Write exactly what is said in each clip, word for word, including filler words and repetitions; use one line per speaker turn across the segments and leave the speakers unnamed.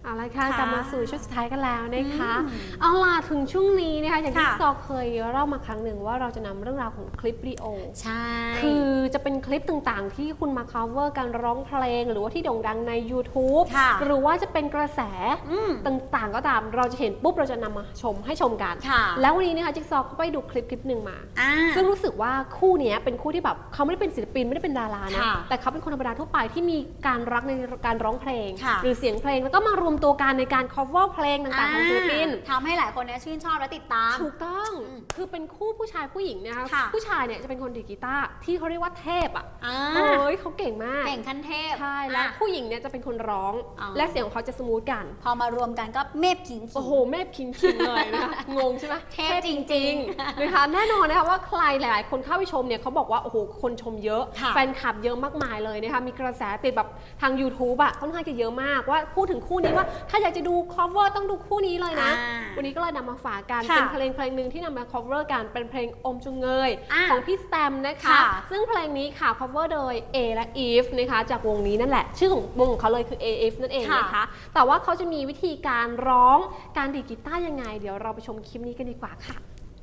เอาละค่ะกลับมาสู่ช่วงสุดท้ายกันแล้วนะคะเอาล่ะถึงช่วงนี้นะคะอย่างที่ซอเคยเล่ามาครั้งหนึ่งว่าเราจะนำเรื่องราวของคลิปวิดีโอ
ใช่
คือจะเป็นคลิปต่างๆที่คุณมา cover การร้องเพลงหรือว่าที่โด่งดังใน ยูทูบ หรือว่าจะเป็นกระแสต่างๆก็ตามเราจะเห็นปุ๊บเราจะนำมาชมให้ชมกันแล้ววันนี้นะคะจิ๊กซอก็ไปดูคลิปคลิปหนึ่งมาซึ่งรู้สึกว่าคู่นี้เป็นคู่ที่แบบเขาไม่ได้เป็นศิลปินไม่ได้เป็นดารานะแต่เขาเป็นคนธรรมดาทั่วไปที่มีการรักในการร้องเพลงหรือเสียงเพลงแล้วก็มารวมตัวกันในการ cover เพลงต่างๆของศิลปิน
ทำให้หลายคนเนี่ยชื่นชอบและติดตาม
ถูกต้องคือเป็นคู่ผู้ชายผู้หญิงนะคะผู้ชายเนี่ยจะเป็นคนดีดกีตาร์ที่เขาเรียกว่าเทพอ่ะเฮ้ยเขาเก่งมาก
เก่งขั้นเทพ
ใช่แล้วผู้หญิงเนี่ยจะเป็นคนร้องและเสียงของเขาจะสมูทกัน
พอมารวมกันก็เมฟคิง
โอ้โหเมฟคิงคิงเลยนะคะงงใช่ไหมเทพจริงๆนะคะแน่นอนนะคะว่าใครหลายๆคนเข้าไปชมเนี่ยเขาบอกว่าโอ้โหคนชมเยอะแฟนคลับเยอะมากมายเลยนะคะมีกระแสติดแบบทาง ยูทูบ อ่ะค่อนข้างจะเยอะมากว่าพูดถึงคู่นี้ว่าถ้าอยากจะดู cover ต้องดูคู่นี้เลยนะวันนี้ก็เลยนำมาฝากกันเป็นเพลงเพลงหนึ่งที่นำมา cover กันเป็นเพลงอมจุงเงยของพี่สแตมนะคะซึ่งเพลงนี้ค่ะ cover โดย A และ Eve นะคะจากวงนี้นั่นแหละชื่อของวงของเขาเลยคือ เอ เอฟ นั่นเองนะคะแต่ว่าเขาจะมีวิธีการร้องการดีดกีตาร์ยังไงเดี๋ยวเราไปชมคลิปนี้กันดีกว่าค่ะ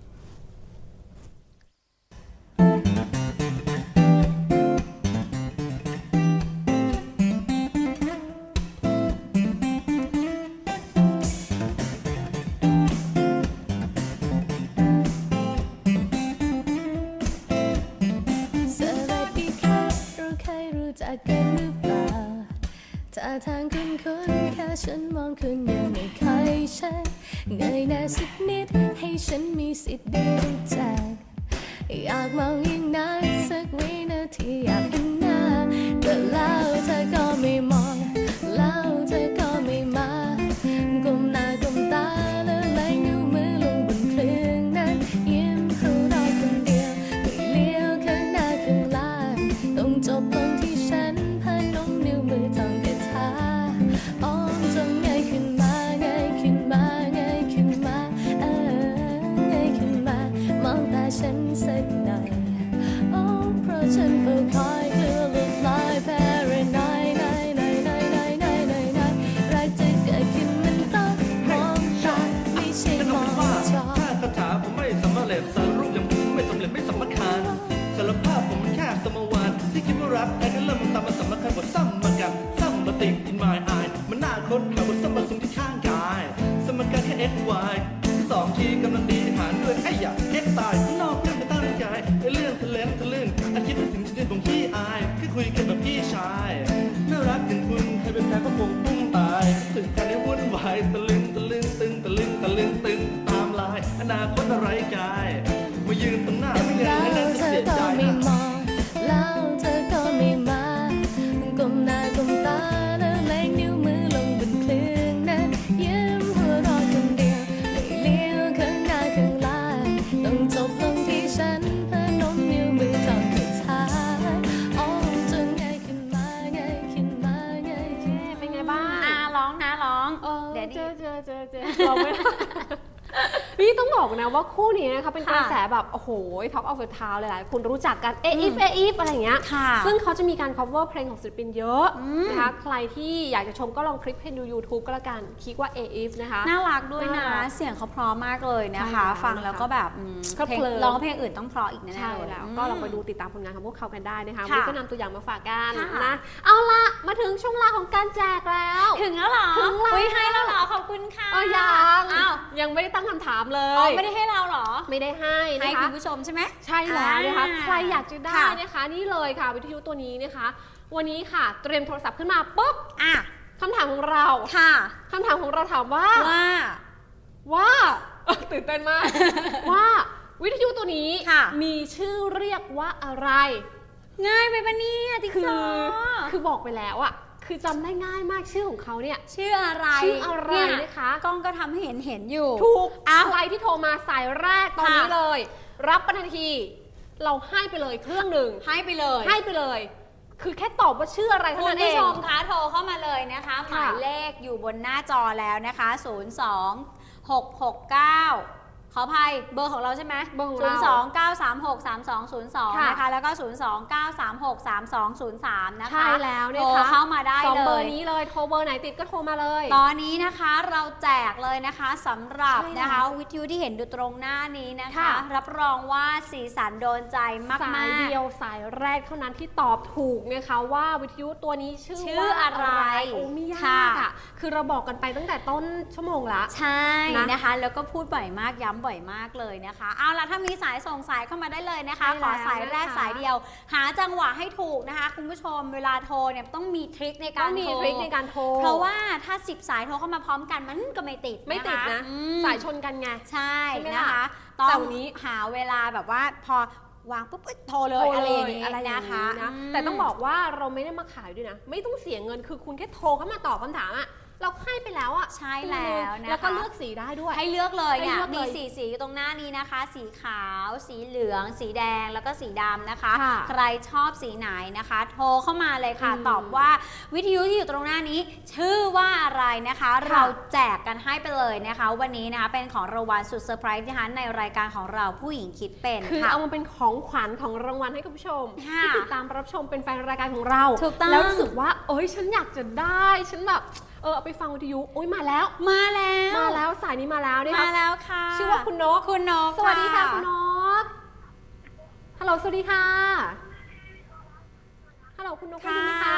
กันหรือเปล่าถ้าทางคุณคุณแค่ฉันมองคุณยังไม่ค่อยใช่เงยหน้าสักนิดให้ฉันมีสิทธิ์ได้รู้จักอยากมองยิ่งนานสักวินาทีอยากเห็นหน้าแต่แล้วเธอก็ไม่มองแล้วเธอก็ไม่มาก้มหน้าก้มตาแล้วไล่นิ้วมือลงบนเครื่องนั้นยิ้มให้เราคนเดียวไม่เลี้ยวข้างหน้าข้างหลังต้องจบลงที่ฉันพนมนิ้วมือท่องคาถาอ้อมจงเงยขึ้นมาเงยขึ้นมาเงยขึ้นมาเออเงยขึ้นมามองตาฉันสักหน่อยโอ้เพราะฉันเฝ้าคอยกลัวหลุดลอยแพร่น้อยน้อยน้อยน้อยน้อยน้อยน้อยน้อยรักจะเกิดขึ้นมันต้องมองตาไม่ใช่มองจอ
ถ้าคาถาผมไม่สำเร็จสารรูปอย่างผมไม่สำเร็จไม่สำคัญสารภาพผมมันแค่สมวันที่คิดว่ารักแต่ก็เริ่มมันตามมาสำคัญกว่าซ้ำมากันซ้ำมาติด in my eye มันน่าค้นหาบนซ้ำมาสูงที่ข้างกายสมการแค่ x y สองทีกำลังดีหารด้วยไอ้ยา x ตายนอกเรื่องไม่ตั้งใจไอ้เรื่องทะเลนทะลึ่งอาคิดถึงชิ้นของพี่อายแค่คุยกันแบบพี่ชายน่ารักอย่างคุณใครเป็นแฟนก็คงพุ่งตายถึงการนี้วุ่นวายตะลึงตะลึงตึงตะลึงตะลึงตึงตามลายอนาคตอะไรกายมายืนตรงหน้าไม่ยังให้นั่งเสียใจ
แล้วเธอก็ไม่มาก้มหน้าก้มตาแล้วแรงนิ้วมือลงบนเครื่องนั้นยิ้มหัวเราะคนเดียวไม่เลี้ยวข้างหน้าข้างหลังต้องจบลงที่ฉันพนมนิ้วมือท่องคาถาอ้อมจนเงยขึ้นมาเงยขึ้นมาเงยขึ้น
เป็นไงบ้าง
อ่าร้องนะร้อง
เดี๋ยวเจอเจอเจอเจอเราไม่นี่ต้องบอกนะว่าคู่นี้นะคะเป็นกระแสแบบโอ้โหท็อปออฟเดอะทาวน์หลายๆคนรู้จักกันเออีฟเออีฟอะไรอย่างเงี้ยซึ่งเขาจะมีการ cover เพลงของศิลปินเยอะนะคะใครที่อยากจะชมก็ลองคลิกเพลงดู ยูทูบ ก็แล้วกันคลิกว่าเออีฟนะคะ
น่ารักด้วยนะเสียงเขาเพราะมากเลยนะคะฟังแล้วก็แบบเพลงร้องเพลงอื่นต้องเพราะอีกแน่ๆเลย
แล้วก็ลองไปดูติดตามผลงานของพวกเขากันได้นะคะวันนี้ก็นำตัวอย่างมาฝากกันนะเอาละมาถึงช่วงเวลาของการแจกแล้ว
ถึงแล้วเหรอ
ถึงแล้ว
ให้แล้วเหรอขอบคุณค่ะ
ยังยังไม่ได้ตั้งคำถามเลย
ไม่ได้ให้เราหรอ
ไม่ได้ให้นะคะ
ให้คุณผู้ชมใช่ไหม
ใช่แล้วนะคะใครอยากจะได้นะคะนี่เลยค่ะวิทยุตัวนี้นะคะวันนี้ค่ะเตรียมโทรศัพท์ขึ้นมาปุ๊บ
อ่ะ
คำถามของเรา
ค่ะ
คำถามของเราถามว่า
ว่า
ว่าตื่นเต้นมากว่าวิทยุตัวนี้มีชื่อเรียกว่าอะไร
ง่ายไปปะเนี่ยติ๊กซอ
คือบอกไปแล้วอะคือจำได้ง่ายมากชื่อของเขาเนี่ย
ชื่ออะไร
ชื่ออะไรนะคะ
กล้องก็ทำให้เห็นเห็นอยู่
ถูกใครที่โทรมาสายแรกตอนนี้เลยรับปทันทีเราให้ไปเลยเครื่องหนึ่ง
ให้ไปเลย
ให้ไปเลยคือแค่ตอบว่าชื่ออะไรเท่านั้นเอง
คุณผู้ชมคะโทรเข้ามาเลยนะคะหมายเลขอยู่บนหน้าจอแล้วนะคะศูนย์ สอง หก หก เก้าขออภัยเบอร์ของเราใช่ไหม
เบอร์ของ
ศู
เรา
นย์ สอง เก้า สาม หก สาม สอง ศูนย์ สอง
ค่ะ
นะคะแล้วก็ศูนย์ สอง เก้า สาม หก สาม สอง ศูนย์ สามนะคะ
ใช่แล้วนะ
โทร
คะ
เข้ามาได้
สอง
เล
เบอย ร์นี้เลยโทรเบอร์ไหนติดก็โทรมาเลย
ตอนนี้นะคะเราแจกเลยนะคะสำหรับ
ใช่แล้ว
นะคะวิทยุที่เห็นดูตรงหน้านี้นะคะ
ค่ะ
รับรองว่าสีสันโดนใจมาก
สาย
ๆ
เดียวสายแรกเท่านั้นที่ตอบถูกนะคะว่าวิทยุตัวนี้ชื่อ
ชื่อ
ว่า
อะไร
โอ้ไม่ยา
ค่ะ
กอ่ะคือเราบอกกันไปตั้งแต่ต้นชั่วโมงละ
ใช่
นะ
นะคะ แล้วก็พูดบ่อยมากย้ำบ่อยมากเลยนะคะเอาล่ะถ้ามีสายส่งสายเข้ามาได้เลยนะคะ
ใช่
ขอสาย
แล้ว
แรก
นะคะ
สายเดียว หาจังหวะให้ถูกนะคะคุณผู้ชมเวลาโทรเนี่ยต้องมีทริคใน
ต้
กา
อ
รง
มี
โทร
ทริคในการโทร
เพราะว่าถ้าสิบสายโทรเข้ามาพร้อมกันมันก็ไม่ติด
ไม่ติดนะ
อืม
สายชนกันไง
ใช่
ใช่ไหม
นะคะ
ล่ะ
ต้อ
แต่
ง
วันนี้
หาเวลาแบบว่าพอวางปุ๊บเอ้ยโทรเล
โท
ย
ร
อะไร
เล
อย่าง
ย
นี้
อะไรอย่าง
นะคะ
นี้นะ
ม
แต่ต้องบอกว่าเราไม่ได้มาขายด้วยนะ ไม่ต้องเสียเงินคือคุณแค่โทรเข้ามาตอบคำถามอะเราให้ไปแล้วอะ
ใช่แล้วนะคะ
แล้วก็เลือกสีได้ด้วย
ให้เลือกเลยเนี่ย
ให้เลือกเลย
มีสีสีอยู่ตรงหน้านี้นะคะ สีขาว สีเหลือง สีแดงแล้วก็สีดำนะคะ
ค่ะ
ใครชอบสีไหนนะคะ โทรเข้ามาเลยค่ะ
อืม
ตอบว่าวิทยุที่อยู่ตรงหน้านี้ ชื่อว่าอะไรนะคะ เราแจกกันให้ไปเลยนะคะ วันนี้นะคะเป็นของรางวัลสุดเซอร์ไพรส์นะคะในรายการของเราผู้หญิงคิดเป็น
คือ
ค่ะ
เอามาเป็นของขวัญของรางวัลให้กับผู้ชม
ค่ะ
ที่ติดตามรับชมเป็นแฟนรายการของเรา
ถูกต้อง
แล้วรู้สึกว่า เอ้ยฉันอยากจะได้ฉันแบบเออเอาไปฟังวิทยุโอ้ยมาแล้ว
มาแล้ว
มาแล้วสายนี้มาแล้วเนี่ย
มาแล้วค่ะ
ชื่อว่าคุณนก
คุณนก
สวัสดีค่ะคุณนกฮัลโหลสวัสดีค่ะฮัลโหลคุณนกได้
ค่ะ
ยินไหมคะ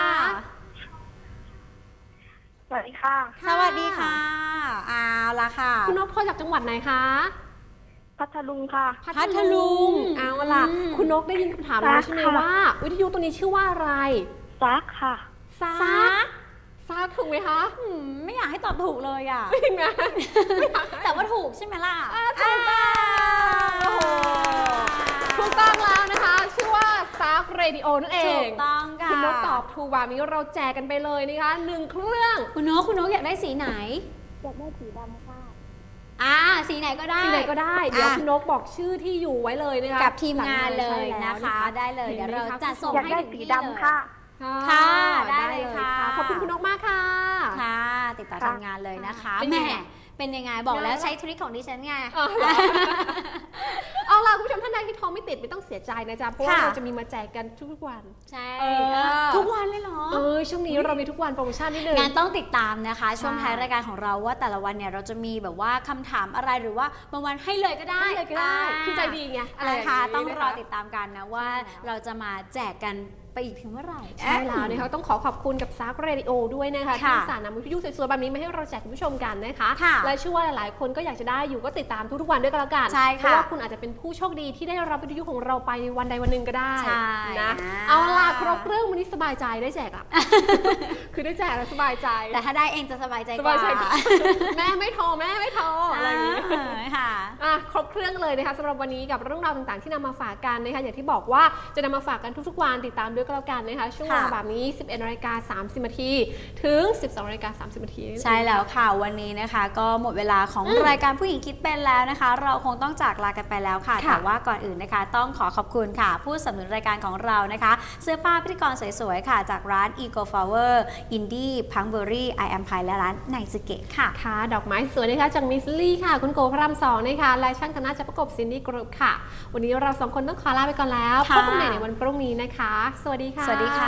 สวัสดีค่ะ
สวัสดีค่ะเอาละค่ะ
คุณนกโทรจากจังหวัดไหนคะ
พัทลุงค่ะ
พัทลุง
เอาล่ะ
อืม
คุณนกได้ยินคำถามแล้วใช่ไหม
ค่ะ
ว่า วิทยุตัวนี้ชื่อว่าอะไร
ซักค่ะ
ซา
ซัก
ซาถูกไหมคะ
อืมไม่อยากให้ตอบถูกเลยอ่ะ
จริงไหม
แต่ว่าถูกใช่ไหมล่ะ
อ่าถูกต้องโอ้โหถูกต้องแล้วนะคะ ชื่อว่าซาร์กเรดิโอนั่นเอ
ถู
ง
กต้องค่ะ
คุณนกตอบถูกแบบนี้เราแจกกันไปเลยนะคะหนึ่งเครื่อง
คุณนกคุณนกอยากได้สีไหน
อยากได้สีดำค่ะ
อ่าสีไหนก็ได้
ที่ไหนก็ได้ เดี๋ยว
อ่ะ
คุณนกบอกชื่อที่อยู่ไว้เลยนะคะ
กับทีมงานเลย
ใช่แล้ว
นะคะ ได้เลยเดี๋ยวเราจะส่ง
อยาก
ให้
ได้
ถึง
สี
ที่
ดำค่ะ
ค่ะ ได้เลยค่ะ
ขอบคุณคุณนกมากค่ะ
ค่ะ ติดต่อ
ค่ะ
ทีมงานเลยนะคะ
เป็น
แห
ไง
มเป็นยังไงบอกแล้วใช้ทริคของดิฉันไง
อ๋อเหรอ เอาล่ะคุณผู้ชมท่านใดที่โทรไม่ติดไม่ต้องเสียใจนะจ๊ะเพราะว่า
ค่ะ
เราจะมีมาแจกกันทุกๆวัน
ใช่
เออ
ทุกวันเลยเหรอ
เออช่วงนี้เรามีทุกวันโปรโมชั่นนิดนึง
งานต้องติดตามนะคะ ช่วง
ใช่
ท้ายรายการของเราว่าแต่ละวันเนี่ยเราจะมีแบบว่าคำถามอะไรหรือว่าบางวันให้เลยก็ได้
ให้เลยก็ได้
า
คือใจดีไงอะไรอย่าง
นะคะ
นี้
ต้องรอ
นะคะ
ติดตามกันนะว่าเราจะมาแจกกันไปอีกถึงเมื่อไหร่
ใช่แล้วนะคะต้องขอขอบคุณกับซาร์กเรดิโอด้วยนะคะ
ค่ะ
ที่สารนำวิทยุสวยๆแบบนี้มาให้เราแจกคุณผู้ชมกันนะคะ
ค่ะ
และเชื่อว่าหลายๆคนก็อยากจะได้อยู่ก็ติดตามทุกๆวันด้วยกันแล้วกัน
ใช่ค่ะ
เพราะว่าคุณอาจจะเป็นผู้โชคดีที่ได้รับวิทยุของเราไปในวันใดวันหนึ่งก็ได้
ใช่
นะ
อ่า
เอาล่ะครบเรื่องวันนี้สบายใจได้แจกอ่ะ คือได้แจกแล้วสบายใจ
แต่ถ้าได้เองจะสบายใจ
ส
กว่า
บายใจกว่า แม่ไม่โทรแม่ไม่โทรอะไรอย่างนี้
อ่าค่ะ
อ่ะครบเครื่องเลยนะคะสำหรับวันนี้กับเรื่องราวต่างๆที่นำมาฝากกันนะคะอย่างที่บอกว่าจะนำมาฝากกันทุกๆวันติดตามด้วยก็แล้วกันนะคะช่วงเวลา
ค่ะ
แบบนี้ สิบเอ็ดนาฬิกาสามสิบนาทีถึง สิบสองนาฬิกาสามสิบนาที
ใช่แล้วค่ะวันนี้นะคะ ก็หมดเวลาของรายการผู้หญิงคิดเป็นแล้วนะคะ เราคงต้องจากลากันไปแล้วค่ะ
ค่ะ
แต่ว่าก่อนอื่นนะคะ ต้องขอขอบคุณค่ะ ผู้สนับสนุนรายการของเรานะคะ เสื้อผ้าพิธีกรสวยๆค่ะ จากร้าน Eco Flower Indie Punkberry I Am Pie และร้านไนซึเกะค่ะ
ค่ะดอกไม้สวยนะคะจากมิสลี่ค่ะ คุณโกพระรามสองนะคะและช่างแต่งหน้าจะประกบซินดี้กรุ๊ปค่ะ วันนี้เราสองคนต้องขอลาไปก่อนแล้วพ
ค่ะ
บกันใหม่ในวันพรุ่งนี้นะคะ สวัสดีค่ะ
สวัสดีค่ะ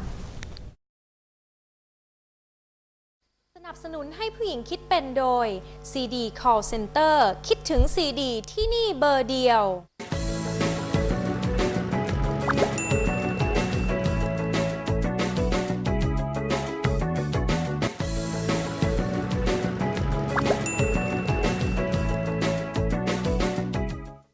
สนับสนุนให้ผู้หญิงคิดเป็นโดย ซี ดี Call Center คิดถึง ซี ดี ที่นี่เบอร์เดียว